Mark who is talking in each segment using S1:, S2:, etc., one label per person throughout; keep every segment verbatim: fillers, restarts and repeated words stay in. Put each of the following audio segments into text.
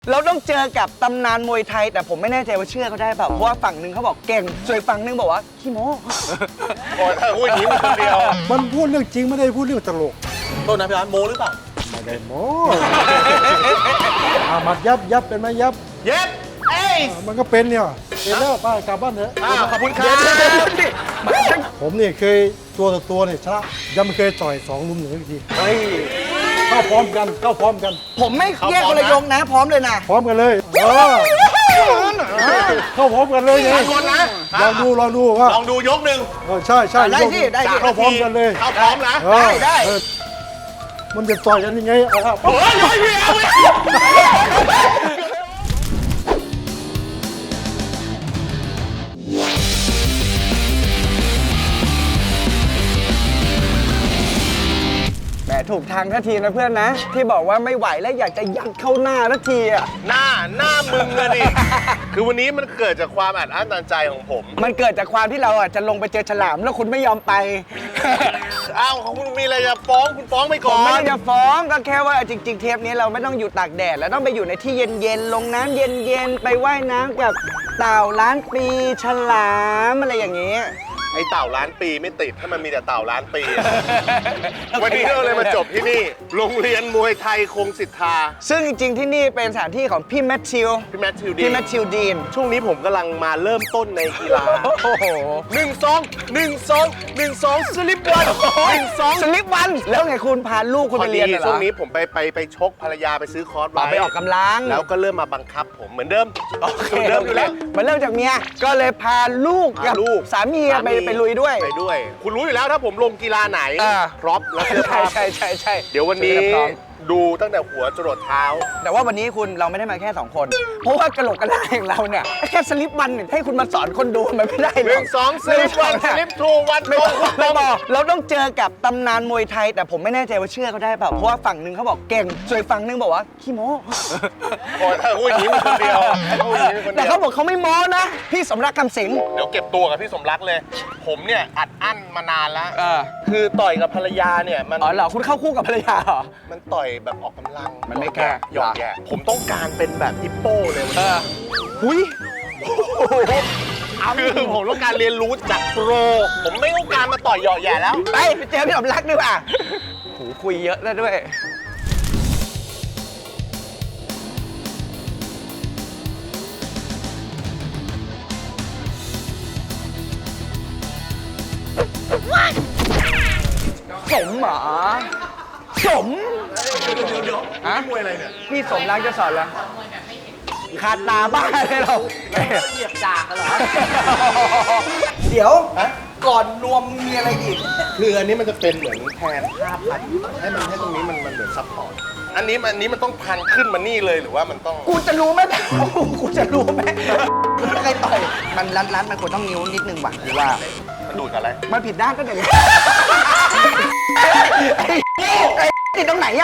S1: เราต้องเจอกับตำนานมวยไทยแต่ผมไม่แน่ใจว่าเชื่อเขาได้เปล่าเพราะว่าฝั่งหนึ่งเขาบอกเก่งส่วนฝั่งหนึ่งบอกว่าขี้โม้
S2: โอ้ยถ้าพูดอย่างนี้มันคนเดียว
S3: มันพูดเรื่องจริงไม่ได้พูดเรื่องตลก
S2: โทษนะพี่ร้านโมหรือเปล่า
S3: ไม่ได้โม้ อามัดยับยับเป็นไหมยับ
S2: เย็บเอ้ย
S3: มันก็เป็นเนี่ยเป็นแล้วป้ากลับบ้านเถอะ
S2: อ้าวขอบคุณครับ
S3: ผมนี่เคยตัวต่อตัวเนี่ยชนะยังไม่เคยต่อยสองลุมหนึ่งที
S1: เฮ้ย
S3: เข้าพร้อมกันเข้าพร้อมกัน
S1: ผมไม่แยกคนละยงนะพร้อมเลยนะ
S3: พร้อมกันเลยเออเข้าพร้อมกันเลยไง
S2: ทันคนนะ
S3: ลองดูลองดูว่า
S2: ลองดูยกหนึ่ง
S3: เออใช่ใช่
S1: ได้ที่ได้ที่
S3: เข้าพร้อมกันเลย
S2: เข้าพร้อมนะ
S3: เออ
S1: ได้ได้
S3: เออมันจะต่อยกันยังไงเอาครับ
S2: โอ้ยไม่เอา
S1: แหมถูกทางทันทีนะเพื่อนนะ ที่บอกว่าไม่ไหวแล้วอยากจะยัดเข้าหน้าทันทีอ่ะ
S2: หน้าหน้ามึงอะดิ คือวันนี้มันเกิดจากความอัดอั้นตันใจของผม
S1: มันเกิดจากความที่เราอ่ะจะลงไปเจอฉลามแล้วคุณไม่ยอมไป
S2: อ้าวของคุณมีอะไรจะฟ้องคุณฟ้องไป
S1: ผ
S2: ก่อ
S1: มไม่
S2: น
S1: ได้จะฟ้องก็แค่ว่าจริง ๆ เทปนี้เราไม่ต้องอยู่ตากแดดแล้วต้องไปอยู่ในที่เย็นๆลงน้ำเย็นๆไปว่ายน้ำกับเต่าล้านปีฉลามอะไรอย่างเงี้ย
S2: ไอ้เต่าล้านปีไม่ติดถ้ามันมีแต่เต่าล้านปี วันนี้เราเลยมาจบที่นี่ โรงเรียนมวยไทยคงสิทธา
S1: ซึ่งจริงๆที่นี่เป็นสถานที่ของพี่แมทธิว
S2: พี่แมทธิวดี
S1: พี่แมทธิวดีน
S2: ช่วงนี้ผมกำลังมาเริ่มต้นในกีฬา
S1: โอ้โห
S2: หนึ่งสองหนึ่งสองหนึ่งสองสลิปวันหนึ่งสอง
S1: สลิปวันแล้วไงคุณพาลูกคุณ
S2: พ
S1: ไป
S2: อ
S1: เรี
S2: ดี
S1: ยนเหรอ
S2: ช่วงนี้ผมไปไปไปชกภรรยาไปซื้อคอร์ส
S1: ต่อ
S2: ไว้
S1: ไปออกกำลัง
S2: แล้วก็เริ่มมาบังคับผมเหมือนเดิม
S1: โอเค
S2: เหมือนเดิมอยู่แล้ว
S1: มันเริ่มจากเมียก็เลยพาลูกกับ
S2: พาลูก
S1: สามีไปไปลุยด้วย
S2: ไปด้วย คุณรู้อยู่แล้วถ้าผมลงกีฬาไหน
S1: อ่า
S2: พร็อพและเสื้อ
S1: ใช่
S2: ผ้า
S1: ใช่ใช่ใช่
S2: เดี๋ยววันนี้
S1: ซื้อให้พร้อม
S2: ดูตั้งแต่หัวจรดเท้า
S1: แต่ว่าวันนี้คุณเราไม่ได้มาแค่สองคน เพราะว่ากระโหลกกระลาอย่างเราเนี่ยแค่สลิปวันเนี่ยให้คุณมาสอนคนดูมันไม่ได้หร
S2: หนึ่
S1: อก
S2: งสองสลิปวันสลิปทูวัน
S1: ไม่
S2: ตร
S1: ต้อง
S2: ง
S1: ไม่บอกเราต้องเจอกับตำนานมวยไทย แต่ผมไม่แน่ใจว่าเชื่อเขาได้เปล่าเพราะว่าฝั่งหนึ่งเขาบอกเก่งส่วนฝั่งหนึ่งบอกว่าขี้โม้
S2: โอ้ยถ้าพูดอย่างนี้มันคนเดียวถ้าพูดอย่างนี้มันคน
S1: แต่
S2: เดียว
S1: เขาบอกเขาไม่โม้นะพี่สมรักคำสิงห์
S2: เดี๋ยวเก็บตัวกับพี่สมรักเลย ผมเนี่ยอัดอั้นมานานแล้ว
S1: เออ
S2: คือต่อยกับภรรยาเนี่ยมัน
S1: อ๋อเหรอคุณเข้าคู่กับภรรยาเหรอ
S2: มันต่อยแบบออกกำลัง
S1: มันไม่แก้
S2: หยอกแย่ผมต้องการเป็นแบบฮิปโป้เลยวัน
S1: เอ
S2: นี้
S1: อหุย
S2: คือผมต้องการเรียนรู้จากโปร ผมไม่ต้องการมาต่อยหยอกแย่แล้ว
S1: ไปไปเจอพี่สมรักดีกว่าโหคุยเยอะแล้วด้วยสมเหรอสม
S2: เดี๋ยวเดี๋ยวเดี๋ยว
S1: ฮะ
S2: มวยอะไรเนี่ย
S1: พี่สมรักจะสอนแล้วขาดตาบ้าเลยเรา
S4: เหยียบจากกันเหรอ
S1: เดี๋ยวก่อนรวมมีอะไรอีก
S2: คืออันนี้มันจะเป็นเหมือนแทนผ้าพันให้มันให้ตรงนี้มันมันเหมือนซับพอร์ต อันนี้มันอันนี้มันต้องพันขึ้นมานี่เลยหรือว่ามันต้อง
S1: กูจะรู้ไหมกูจะรู้ไหมกูไม่เคยต่อยมันรัดรัดมันควรต้องนิ้วนิดนึงว่ะหรือว่า
S2: มันดูดกับอะไร
S1: มันผิดด้านก็เดี๋ยวไอ้ไอ้ติดตรงไหนอะ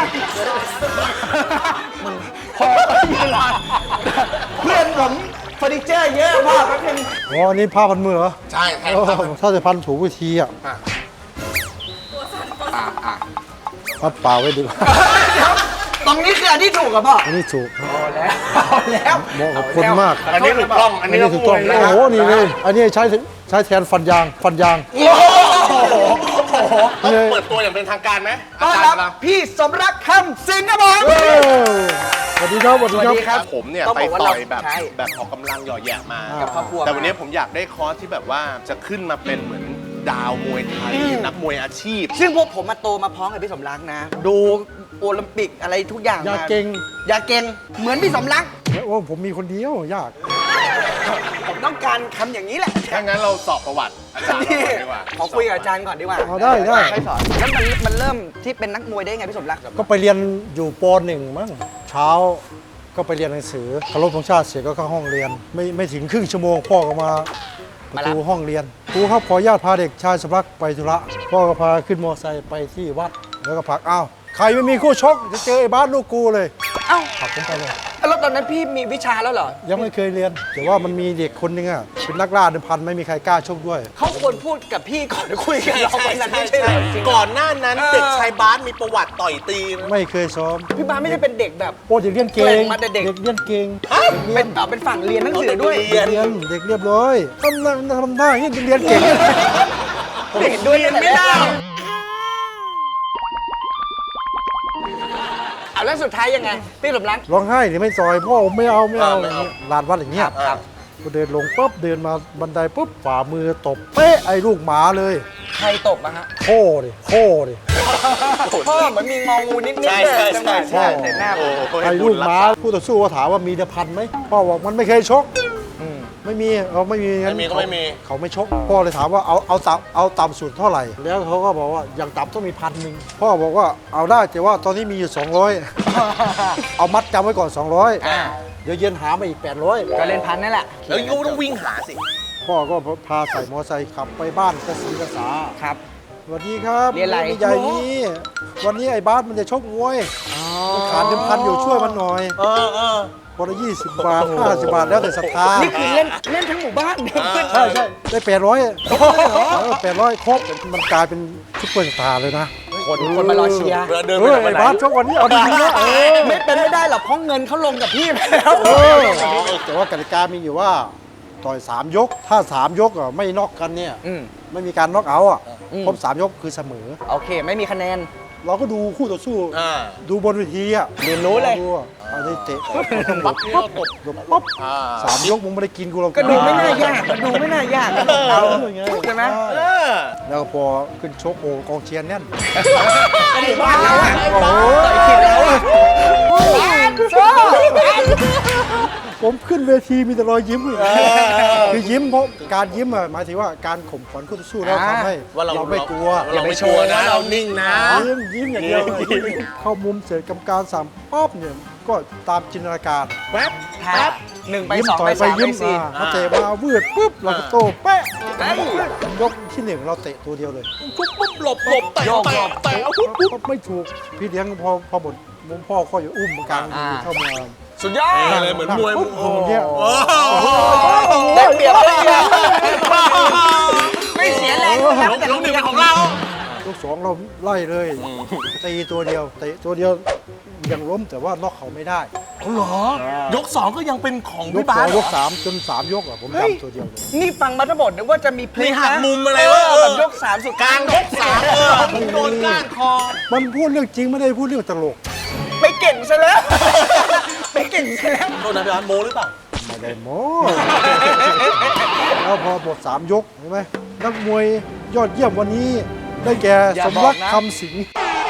S1: มึงพอเวลาเพื่อนผมเฟอร์นิเจอร์เยอะพ่อแป๊บนึง
S3: อ๋ออันนี้ผ้าพันมือเหรอ
S2: ใช่แทน
S3: เออ
S2: ผ้าพัน
S3: ถ้าจะพันถูกวิธีอ่ะ
S1: อ่ะอ่ะ
S3: พัดเปล่าไว้ดีกว่า
S1: ตรงนี้คืออันที่ถูกกับพ่อ
S3: อันนี้ถูก
S1: พอแล้วพอแล้ว
S3: เหมาะกับคุณมาก
S2: อันนี้ถูกต้อง อั
S3: อั
S2: น
S3: น
S2: นี้
S3: นี้
S2: ก็
S3: ถูก
S2: ม
S3: ต้อ
S2: ว
S3: ง
S2: ยนะ
S3: โอ้โหนี่เลยอันนี้ใช้ใช้แทนฟันยางฟันยาง
S1: โอ้โห
S2: ต้องเปิดตัวอย่างเป็นทางการไหม
S1: ต้อน
S2: อา
S1: รั
S2: จา
S1: บ
S2: ย์เรา
S1: พี่สมรักคำสิงห์ครับผม
S3: เออสวัสดีครับสวัสดี
S1: สวัสดีค
S3: ค
S1: รั
S3: รับ บ
S2: ผมเนี่ย
S1: ต้อง
S2: ไป
S1: บอกว่า
S2: ต่อย
S1: เรา
S2: แบบ
S1: ใช่
S2: แบบออกกำลังหย่อแหย่มา
S1: กับครอบครัว
S2: แต่วันนี้ผมอยากได้คอร์สที่แบบว่าจะขึ้นมาเป็นเหมือนดาวมวยไทยนักมวยอาชีพ
S1: ซึ่งพวกผมมาโตมาพร้อมกับพี่สมรักนะ ดูโอลิมปิกอะไรทุกอย่าง
S3: อย่า
S1: มา
S3: เก่ง
S1: อย่าเก่งเหมือนพี่สมรัก
S3: โอ้ผมมีคนเดียวยาก
S1: ผมต้องการคำอย่างนี้แหละ
S2: ถ้างั้นเราสอบประวัติอาจารย์เราก่อนดีกว่า
S1: ขอคุยกับอาจารย์ก่อนดีกว่า
S3: เอาได้ได้
S1: ใช่สอนแล้วมันมันเริ่มที่เป็นนักมวยได้ไงพี่สมรัก
S3: ก็ไปเรียนอยู่ปหนึ่งมั้งเช้าก็ไปเรียนหนังสือเคารพธงชาติเสร็จก็เข้าห้องเรียน ไม่ไม่ถึงครึ่งชั่วโมงพ่อก็มาประตูห้องเรียนครูครับขออนุญาตพาเด็กชายสมรักไปธุระพ่อก็พาขึ้นมอเตอร์ไซค์ไปที่วัดแล้วก็ผลักอ้าวใครไม่มีคู่ชกจะเจอไอ้บ้านลูกกูเลย
S1: เอ้า
S3: ผลักผมไปเลย
S1: แล้วตอนนั้นพี่มีวิชาแล้วเหรอ
S3: ยังไม่เคยเรียน แต่ว่ามันมีเด็กคนหนึงอ่ะเป็นนักล่าเดิมพันไม่มีใครกล้าชกด้วย
S1: เขาควรพูดกับพี่ก่อนคุยกันเราวันนั้นไม่ใช่เหรอจริงๆ
S2: ก่อนหน้านั้นเด็กชายบาสมีประวัติต่อยตีน
S3: ไม่เคยซ้อม
S1: พี่บาสไม่ได้เป็นเด็กแบบ
S3: โอ้เด็กเรียนเก่
S1: แกร่
S3: ง
S1: งมาแต่เด็ก
S3: เรียนเก่ง
S1: เป็นต่อเป็นฝั่งเรียนหนังสือด้วย
S2: เรียน
S3: เรียนเด็กเรียบร้อยทำหน้าทำหน้าอย่างนี้เรียนเก่ง
S1: เห็นด้วยไม่ได้เอาแล้วสุดท้ายยังไงพี่สมรัก
S3: ร้องไห้หรือไม่ซอยพ่อไม่เอาไม่เอา
S2: ไม่เอา
S3: ลานวัดอย่างเงี้ย
S2: ครับ
S3: ก็เดินลงปุ๊บเดินมาบันไดปุ๊บฝ่ามือตบเป๊ะไอ้ลูกหมาเลย
S1: ใครตบมาฮะ
S3: โค้ดิโค้ดิ
S1: พ่อเหมือนมีงองูนิดๆ
S2: ใช่
S1: เลย
S2: ใช่
S1: จังหวะ
S2: ใช่
S1: ใช่หน้า
S2: โอ้โห
S3: ไอ้ลูกหมาผู้ต่อสู้ก็ถามว่ามีเดพันไหมพ่อบอกมันไม่เคยชก
S1: อืม
S3: ไม่มีเขาไม่มีงั้น
S2: ไม่มีก็ไม่มี
S3: เขาไม่ชกพ่อเลยถามว่าเอาเอาต่ำเอาต่ำสุดเท่าไหร่ แล้วเขาก็บอกว่าอย่างต่ำต้องมีพันหนึ่งพ่อบอกว่าเอาได้แต่ว่าตอนนี้มีอยู่ สองร้อย เอามัดจำไว้ก่อน สองร้อย
S1: อ่า
S3: เดี๋ยวเย็นหามาอีก แปดร้อย
S1: ก็เล่นพันนั่นแหละ
S2: แล้วยูต้องวิ่งหาสิ
S3: พ่อก็พาใส่มอไซค์ขับไปบ้านกระสีกระสา
S1: ครับ
S3: สวัสดีครับ
S1: เรียนอะไร
S3: ใหญ่นี้วันนี้ไอ้บาสมันจะชกมวยมันขาดเดิมพันอยู่ช่วยมันหน่อย
S2: เออเออ
S3: คนละยี่สิบบาทห้าสิบบาทแล้วแต่ศรัทธา
S1: นี่คือเล่นเล่นทั้งหมู่บ้านเพื่อน
S3: ใช่ใช่ได้แปดร้อยแปดร้อยครบมันกลายเป็นซุปเปอร์สตาร์เลยนะ
S1: คนคนมารอเชียร์
S2: เดินเดิน
S3: เอ
S2: ไป
S3: อ
S2: ไหน
S3: ไอ้บาสชกวันนี้เอาดีๆนะเออ
S1: ไม่เป็นไม่ได้หรอกเพราะเงินเขาลงกับพี่ไปแล้ว
S3: เออแต่ว่ากติกามีอยู่ว่าต่อยสามยก ถ้าสามยกอ่ะไม่น็อกกันเนี่ย
S1: อืม
S3: ไม่มีการน็อกเอาท์อ่ะ
S1: อืม
S3: ครบสามยกคือเสมอ
S1: โอเคไม่มีคะแนน
S3: เราก็ดูคู่ต่อสู้
S2: อ่า
S3: ดูบนเวทีอ่ะ
S1: เรียนรู้เลย
S3: ดูอ่ะเอาได้เตะปั๊บปั๊บปั๊บปั๊บปั๊บ
S2: อ่า
S3: สามยกมึงไม่ได้กินกูหรอก
S1: ก็ดูไม่น่ายากก็ดูไม่น่ายากก็เอาใช่ไหม
S2: เออ
S3: แล้วพอขึ้นชกโอ้กองเชียร์แน่น
S1: ไอ้บ้านเราอะ
S3: โอ้โห
S1: ต่อยผิดแล้วอะบ้านโซ่
S3: ผมขึ้นเวทีมีแต่รอยยิ้มเลยคือยิ้มเพราะการยิ้มอ่ะหมายถึงว่าการข่มขวัญคู่ต่อสู้แล้วทำให้
S2: ว่าเรา
S3: เราไม่กลัว
S2: เราไม่โชว์นะเรานิ่งนะ
S3: ยิ้มยิ้มอย่างเดียวเข้ามุมเสร็จกรรมการสั่งป๊อบเนี่ยก็ตามจินตนาการ
S2: แป๊บ
S1: แป๊บหนึ่งไป
S3: ยิ้ม
S1: สอง
S3: ต่อ
S1: ไป
S3: ยไป
S1: สามไป
S3: ยิ้ม
S1: สี่
S3: มาเขาเตะมาวืดปุ๊บเราก็โต้แป๊ะ
S1: เฮ้ย
S3: ยกที่หนึ่งเราเตะตัวเดียวเลย
S2: ปุ๊บปุ๊บหลบหลบแต่
S1: โยก
S2: แต่
S1: หลบ
S2: แต่เอาปุ๊บปุ๊บ
S3: ปุ๊บไม่ถูกพี่เลี้ยงพอพอหมดมุมพ่อก็อยู่อุ้มกลาง
S1: อ่า
S3: เข้ามา
S1: สุดยอด
S2: นี่เลยเหมือนมวย
S3: ปุ๊บผมเนี่ย
S2: โอ้โห
S1: ได้เปรียบได้เปรียบไม่เสียแรง
S2: ยกยกหนึ่งเป็นของเรา
S3: ยกสองเราไล่เลยตีตัวเดียวเตะตัวเดียวยังล้มแต่ว่าน็อกเขาไม่ได้
S2: เอาเหรอยกสองก็ยังเป็นของ
S3: ย
S2: พี่
S3: ก
S2: บา
S3: สอ
S2: ส
S3: ง
S2: เหร
S3: ย
S2: อก
S3: สามจนสามยกอ่ะผมจำตัวเดียวเลย
S1: นี่ฟังมาทั้งหมดนึกว่าจะมีพลิ
S2: มี
S1: ก
S2: หัก
S1: นะ
S2: มุมอะไร
S1: เอ
S2: วะ
S1: อแบบยกสามสุด
S2: กลางยกสามเออมึงโดนก้านคอ
S3: มันพูดเรื่องจริงไม่ได้พูดเรื่องตลก
S1: ไปเก่งซะแล้วไปเก่งซะแล้ว
S2: โดนนะพี่บาสโมหรือเปล่า
S3: ไม่ได้โม้ แล้วพอหมดสามยกเห็นไหมนักมวยยอดเยี่ยมวันนี้ได้แก่สมรักคำสิงห์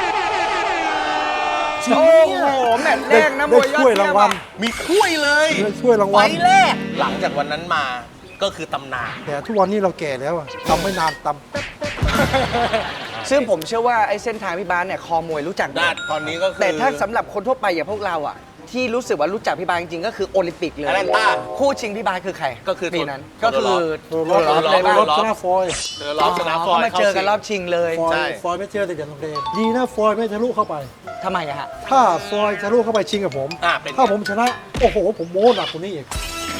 S1: โอ้โหแมตช์แร
S3: ได้
S1: กนะม
S3: ได้
S1: วยยอด
S3: ถ้วย
S1: เยี่
S3: ราย
S1: ยม
S3: วัล
S1: อะ
S2: มีถ้วยเลย
S3: ได้ถ้วยราง
S2: ไฟ
S3: วัล
S2: แรกหลังจากวันนั้นมาก็คือตำนาน
S3: แต่ทุกวันนี้เราแก่แล้วอะทำไม่นานตำแป๊บ
S1: ซึ่งผมเชื่อว่าไอ้เส้นทางพี่บาสเนี่ยคอมวยรู้จักหม
S2: ได้
S1: ด
S2: ตอนนี้ก็คือ
S1: แต่ถ้าสำหรับคนทั่วไปอย่างพวกเราอ่ะ ที่รู้สึกว่ารู้จักพี่บาสจริงๆก็คือโอลิมปิกเลย
S2: แอตแลนต้า
S1: คู่ชิงพี่บาสคือใคร
S2: ก็คือ
S1: ปีนั้น
S2: โท
S1: ก็
S2: โท
S1: คือ
S3: ตัว
S1: โท
S3: รอบ
S1: รอบเลย
S3: ตัว
S1: บ้าง
S3: รอบชนะฟอยล์
S2: เจอรอบชนะฟอย
S1: เขามาเจอกันรอบชิงเลย
S3: ฟอย
S2: ใช่
S3: ล์ฟอยล์ไม่เจอแต่เดี๋ยวโรงเรียนดีนะฟอยล์ไม่ทะลุเข้าไป
S1: ทำไมอะฮะ
S3: ถ้าฟอยล์ทะลุเข้าไปชิงกับผม
S2: อ่ะเป็นไง
S3: ถ้าผมชนะ โอ้โห ผมโม้หนักกว่านี้อีก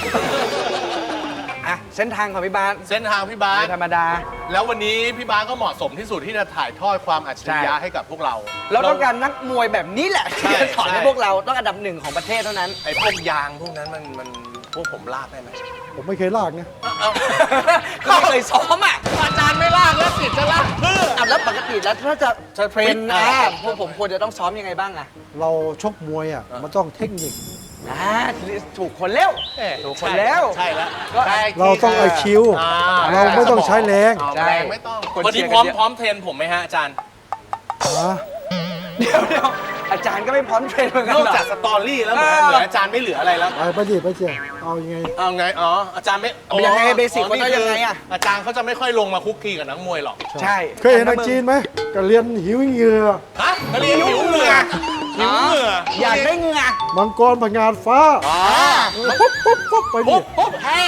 S1: อ่ะเส้นทางของพี่บาส
S2: เส้นทางพี่บาส
S1: ไม่ธรรมดา
S2: แล้ววันนี้พี่บาสก็เหมาะสมที่สุดที่จะถ่ายทอดความอัจฉริยะ
S1: ใช่
S2: ให้กับพวกเรา
S1: เราต้องการนักมวยแบบนี้แหละ
S2: ใช่
S1: ที่จะสอนให้
S2: ใช่
S1: พวกเราต้องอันดับหนึ่งของประเทศเท่านั้น
S2: ไอ้พวกยางพวกนั้นมันมันพวกผมลากได้ไหม
S3: ผมไม่เคยลากนะ
S1: ก็ไม่เคยซ้อมอ่ะอาจารย์ไม่ลากแล้วติดจะลากเพื่ออ่ะแล้วปกติแล้วถ้าจะจะเทรนนะพวกผมควรจะต้องซ้อมยังไงบ้างอ่ะ
S3: เราชกมวยอ่ะ มันต้องเทคนิค
S1: อ่าถูกคนแล้ว ถูกคนแล้ว
S2: ใช่แล้ว
S1: ก็
S3: เราต้องไอคิว
S2: อ่า
S3: เราไม่ต้องใช้แรง
S2: เอา
S1: ใช่
S2: แรงไม่ต้อง
S1: คน
S2: วัน
S1: เชี
S2: นี้
S1: ยร์
S2: พร้อม
S1: กันเยอะ
S2: พร้อมเทรนผมไหมฮะอาจารย์
S3: อ่ะ
S1: เดี๋ยวเดี๋ยวอาจารย์ก็ไม่พร้อมเทรนเหมือนกัน
S2: นอก
S1: หรอ
S2: จากสตอรี่แล้วเหมือน
S1: เออ
S2: เหลืออาจารย์ไม่เหลืออะไรแล้ว
S3: ไปไปดิไปเจียเอายังไง
S2: เอาไง อ๋อ อาจารย์ไม่
S1: เอายังไงเบสิก
S2: อ๋อ
S1: ว่าต้อง
S2: นี่
S1: ยังไง
S2: คื
S1: อะ
S2: อาจารย์เขาจะไม่ค่อยลงมาคุกคีกับนักมวยหรอก
S1: ใช่
S3: เคยเห็นทางจีนไหมก็เรียนหิวเหงื่อ
S2: ฮะนักเรียนหิวเหงื่อหิวเหงื่อ
S1: อยากได้เหงื่อ
S3: มังกรพงานฟ้า
S2: อ๋อ
S3: ปุ๊บปุ๊บปุ๊บไปดิ
S2: ปุ๊บปุ๊บแห่ไง
S3: เอ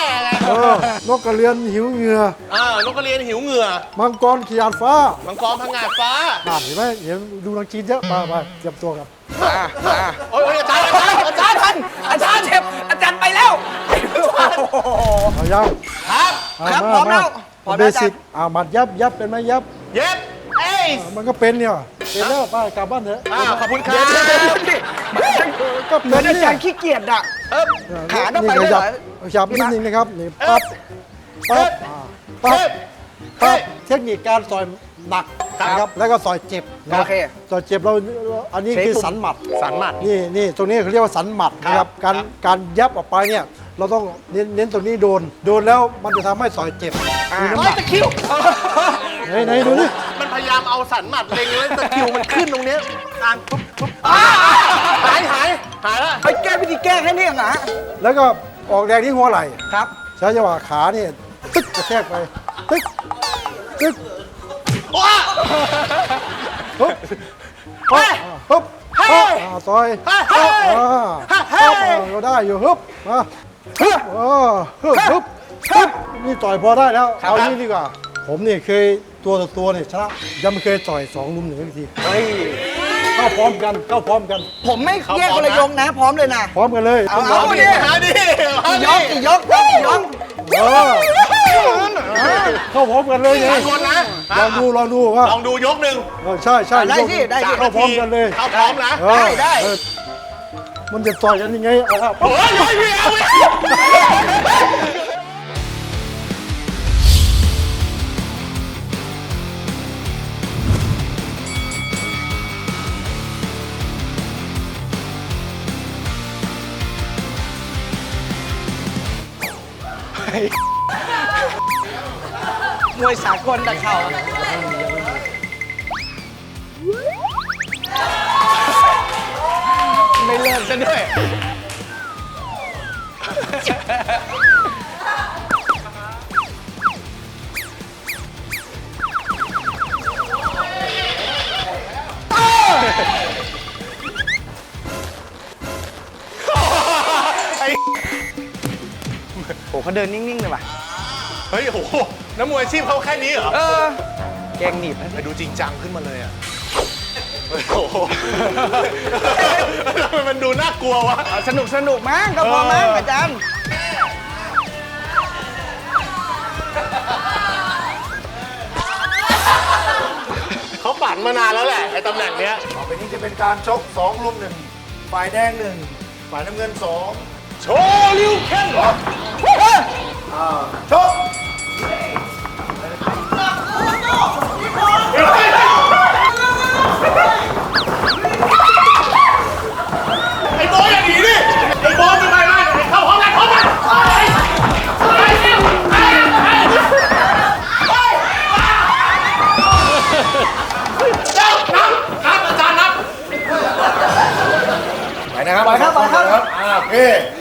S3: เออนกกระเรียนหิวเหงื่อ
S2: อ่านกกระเรียนหิวเหงื่อ
S3: มังกรขีดานฟ้า
S2: มังกรพังงาดฟ้า
S3: อ่านเห็นไหมเห็นดูนังจีนเยอะมามาเตรียมตัวกัน
S1: มามา
S2: โอ้ยอาจารย์อาจารย์อาจารย์
S1: อาจารย์เจ็บอาจารย์ไปแล้ว
S3: เอายัง
S2: ครับ
S3: า
S1: ครับ
S3: า
S1: พร้อมแล้ว
S3: า
S1: พร้อม
S3: เบ
S1: แล้วอาจารย์
S3: สิกอ่ามัดยับยับเป็นไหมยับ
S2: เย็บเอ้ย
S3: มันก็เป็นเนี่ยเป็นแล้วไปกลับบ้านเถอะ
S2: อ่าขอบคุณครับ
S1: เดี๋ยวเดี๋ยวเดี๋ยวดิ
S3: ก็
S1: เหมื
S3: เป็
S1: อน นอา
S3: เนี่
S1: จาย รย์ขี้เกียจอะเออขาต้องไป
S3: นี่
S1: ด้วยเหรอ
S3: ขยับนิดนึงนะครับนี่ปั๊บปั๊บอ่าปั๊บ
S2: เฮ้
S3: ปั๊
S2: ย
S3: บเทคนิคการต่อยหนักนะครับแล้วก็ต่อยเจ็บนะ
S1: โอเค
S3: ต่อยเจ็บเราอันนี้
S1: ใช้
S3: คือ
S1: ปุ่ม
S3: สันหมัด
S2: สันหมัด
S3: นี่นี่ตรงนี้เขาเรียกว่าสันหมัดนะครับ
S2: ครั
S3: การ
S2: บ
S3: การยับออกไปเนี่ยเราต้องเน้นเน้นตรงนี้โดน โดนแล้วมันจะทำให้ต่อยเจ็บมีน้ำห
S2: ร้อ
S3: นั
S2: ย
S3: ก
S2: ตะคริว
S3: ไหนไหนดูดิ
S2: มันพยายามเอาสันหมัดเล็งแล้วตะคริวมันขึ้นตรงเนี้ยการปุ๊บปุ๊บหายหายหายแล้ว
S1: ไปแก้วิธีแก้แค่นี้เหรอฮะ
S3: แล้วก็ออกแรงที่หัวไหล่
S1: ครับ
S3: ใช้จังหวะขาเนี่ยตึ๊กกระแทกไปตึ๊กตึ๊ก
S2: ว้า
S3: ปุ๊บปุ๊บปุ๊บปุ๊บอ่าต่อย
S2: เฮ้ย
S3: อ่า
S2: เฮ้ย
S3: อ่าก็ได้อยู่ฮึบมาฮึบอ่าฮึบฮึบฮึบนี่ต่อยพอได้แล้ว เอานี่ดีกว่า ผมเนี่ยเคยตัวต่อตัวเนี่ยชนะยังไม่เคยต่อยสองลุมหนึ่งที
S1: เฮ้ย
S3: เข้าพร้อมกันเข้าพร้อมกัน
S1: ผมไม่แยกคนละยกนะ พร้อมเลยนะ
S3: พร้อมกันเลย
S1: เอา
S3: ต้อง
S1: เอา
S3: ย
S1: ดิ
S2: มาดิมา
S1: กี่ย
S2: ดิ
S1: กกี่ยกยกกี่ยก
S3: เออเข้าพร้อมกันเลยไง
S2: สามคนนะ
S3: ลองดูลองดูว่า
S2: ลองดูยกหนึ่ง
S3: เออใช่ใช่
S1: ได้
S3: ยก
S1: สิได้สิ
S3: เข้าพร้อมกันเลย
S2: เข้าพร้อมนะ
S3: เออ
S1: ได้ได้
S3: เออมันจะต่อยกันยังไงเอาละ
S2: โอ้ยโอ้ยพี่เอาไป
S1: มวยสากลแต่เข่าไม่เลิกซะด้วย โอ้เขาเดินนิ่งๆเลยว่ะ
S2: เฮ้ยโอ้โหน้ำมวยอาชีพเขาแค่นี้เหรอ
S1: เออ แกงหนีบนะ
S2: ไปดูจริงจังขึ้นมาเลยอ่ะโอ้โหทำไมมันดูน่ากลัววะ
S1: เอาสนุกสนุกมั้งก็พอมั้งอาจารย์
S2: เขาฝันมานานแล้วแหละไอ้ตำแหน่งเนี้ย
S3: ต่อไปนี้จะเป็นการชกสองลุมหนึ่งฝ่ายแดงหนึ่งฝ่ายน้ำเงินสอง
S2: โชว์ลิวเคน
S3: ชก
S2: ไอ้โบอยอย่างนี้ดิไอ้โบจะไปไหมเข้าห้องกันห้องกันนับอาจารย์นับ
S3: ไปนะครับ
S1: ไปครับไปครับ
S3: อ่าโอเค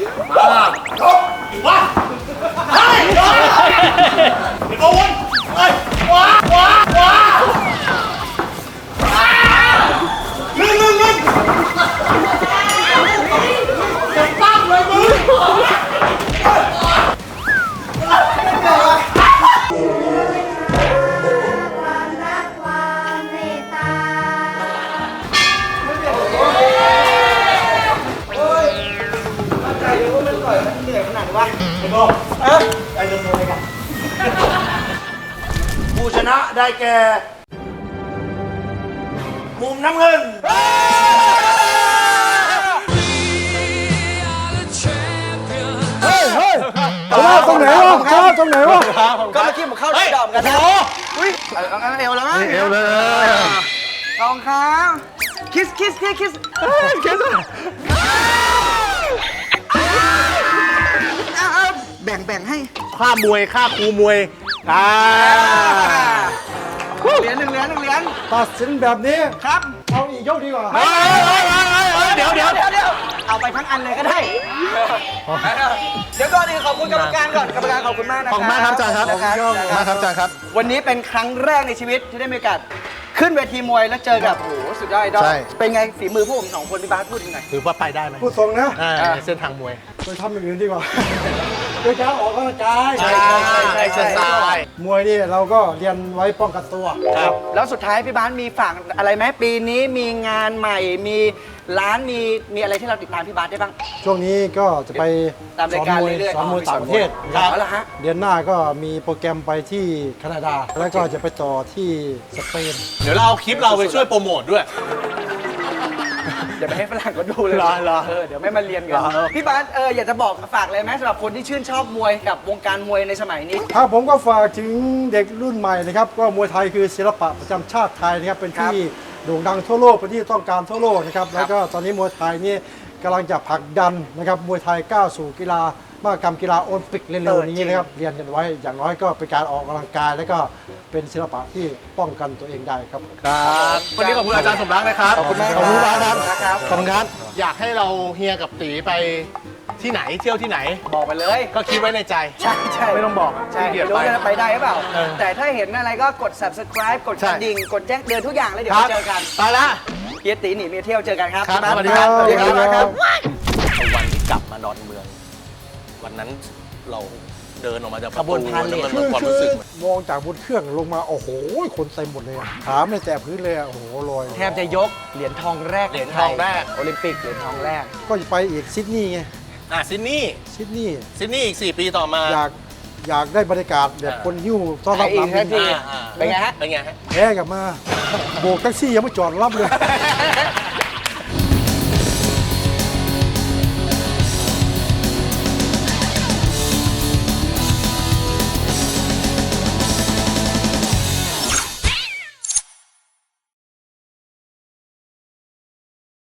S2: ว้าเฮ้ยไอ้โบวนเฮ้ยว้าว้าว้าลึงลึงลึงตั้งเลยมึง
S5: ความรักความเมตตา
S1: ใจเดี๋ยวมันต่อยมันเหนื่อยขนาดวะ
S3: ไอ้โบเอ๊ะไอ้เรื่องอะไรกันผู้ชนะได้แก่ มุมน้ำเงิน เฮ้ยเฮ้ยชนะตรงไหนวะชนะตรงไหนวะ
S1: ก็เมื่อกี้ผมเข้าได้ดอมกันนะอุ้ยเอาเอาเอาเอวแล้วมั้ง
S3: เอวเลย
S1: รองเท้าคิสคิสคิสคิสคิสแบ่งแบ่งให้
S2: ค่ามวยค่าครูมวยอ่า
S1: เหรียญหนึ่งเหรียญหนึ่งเหรียญ
S3: ตัดสินแบบนี้
S1: ครับ
S3: เอาอีกยกดีกว่า
S2: เฮ้ยเฮ้ยเฮ้ยเฮ้ยเฮ้ยเดี๋ยวเดี๋ยว
S1: เดี๋ยวเดี๋ยวเอาไปทั้งอันเลยก็ได้ เดี๋ยวก่อนอื่นขอบคุณกรรมการก่อนกรรมการขอบคุณมากนะค
S2: ข
S1: รั
S2: อบคุณมากครับอาจารย์ครับ
S1: นะ
S2: ขอบคุณมากครับอาจารย์ครับ
S1: วันนี้เป็นครั้งแรกในชีวิตที่ได้มีโอกาสขึ้นเวทีมวยแล้วเจอกับโอ้โหสุดยอดไอดอล
S2: ใช่
S1: เป็นไงฝีมือพวกผมสองคนพี่บาสพูดยังไง
S2: คือว่าไปได้ไหม
S3: พูดตรงนะ
S2: อ่าในเส้นทางมวย
S3: ไปทำอย่างอื่นดีกว่าโดยการออกกำลังกาย
S2: ใช่ใช่ใช่ใช่ใช่ใช่
S3: มวยนี่เราก็เรียนไว้ป้องกันตัว
S2: ครับ
S1: แล้วสุดท้ายพี่บาสมีฝากอะไรไหมปีนี้มีงานใหม่มีร้านมีมีอะไรที่เราติดตามพี่บาสได้บ้าง
S3: ช่วงนี้ก็จะไป
S1: ตามรายการเรื่อยๆ
S3: สอนมวย
S1: อ๋อ
S3: ต่างประเทศ
S1: มีสอนมวยเอาละฮะ
S3: เดือนหน้าก็มีโปรแกรมไปที่แคนาดา แล้วก็จะไปต่อที่สเปน
S2: เดี๋ยวเราเอาคลิปเราไปช่วยโปรโมทด้วย
S1: อย่าไปให้ฝรั่งก็ดูเลย
S2: เหรอเหรอ
S1: เออเดี๋ยวไม่มาเรียนกัน
S2: เหรอ
S1: พี่บาสเอออยากจะบอกฝากอะไรไหมสำหรับคนที่ชื่นชอบมวยกับวงการมวยในสมัยนี้
S3: ครับผมก็ฝากถึงเด็กรุ่นใหม่นะครับก็มวยไทยคือศิลปะประจำชาติไทยนะครับเป็นที่โด่งดังทั่วโลกเป็นที่ต้องการทั่วโลกนะครับแล้วก็ตอนนี้มวยไทยนี่กำลังจะผลักดันนะครับมวยไทยก้าวสู่กีฬามหกรรมกีฬาโอลิมปิกเร็วๆนี้นะครับเรียนกันไว้อย่างน้อยก็เป็นการออกกำลังกาย แล้วก็เป็นศิลปะที่ป้องกันตัวเองได้ครับ
S2: ครับวันนี้ขอบคุณอาจารย์สมรักนะครับ
S1: ขอบคุณมาก
S2: ขอบคุณ
S1: ครับ
S2: ครับ
S1: ครับ
S2: ขอบคุณครับ อยากให้เราเฮียกับตีไปที่ไหนเที่ยวที่ไหน
S1: บอกไปเลย
S2: ก็คิดไว้ในใจ
S1: ใช่ใช่
S2: ไม่ต้องบอก
S1: ใช่
S2: ขี้เกียจ
S1: ไม่รู้
S2: ไป
S1: จะไปได้หรือเปล่า
S2: เออ
S1: แต่ถ้าเห็นอะไรก็กด subscribe กด
S2: ใช่
S1: กระดิ่งกดแจ้งเตือนทุกอย่างแล้วเดี๋ยว
S2: ครับ
S1: มาเจอกัน
S2: ไปละ
S1: เฮียตีหนีเมียเที่ยวเจอกันครับ
S2: ครับ
S1: พี่า
S2: สวัสดีครับ
S1: สวัสดีครับ
S3: สวัสดีครับ
S2: วันที่กลับมาดอนเมือง วันนั้นเราเดินออกมาจาก
S1: ขบวนพาเหรด
S2: มัน
S3: คือ
S2: ความ
S3: คื
S2: รู้
S3: อ
S2: สึก
S3: มองจากบนเครื่องลงมาโอ้โหคนเต็มหมดเลยอะถามในแต่พื้นเลยอะโอ้โหลอย
S1: แทบจะยกเหรียญทองแรก
S2: เหรียญทองแรก
S1: โอลิมปิกเหรียญทองแรก
S3: ก็จะไปอีกซิดนีย์ไง
S2: อ่ะซิดนีย์
S3: ซิดนีย์
S2: ซิดนีย์อีกสี่ปีต่อมา
S3: อยากอยากได้บรรยากาศแบบคนหิ้วต้อนรับ
S1: ไปอีก
S3: น้ำ
S1: สักที
S3: บิน
S2: อ่าอ่า
S1: เป็นไงฮะ
S2: เป็นไงฮะ
S3: แพ้กลับมาโบกแท็กซี่ยังไม่จอดรับเลย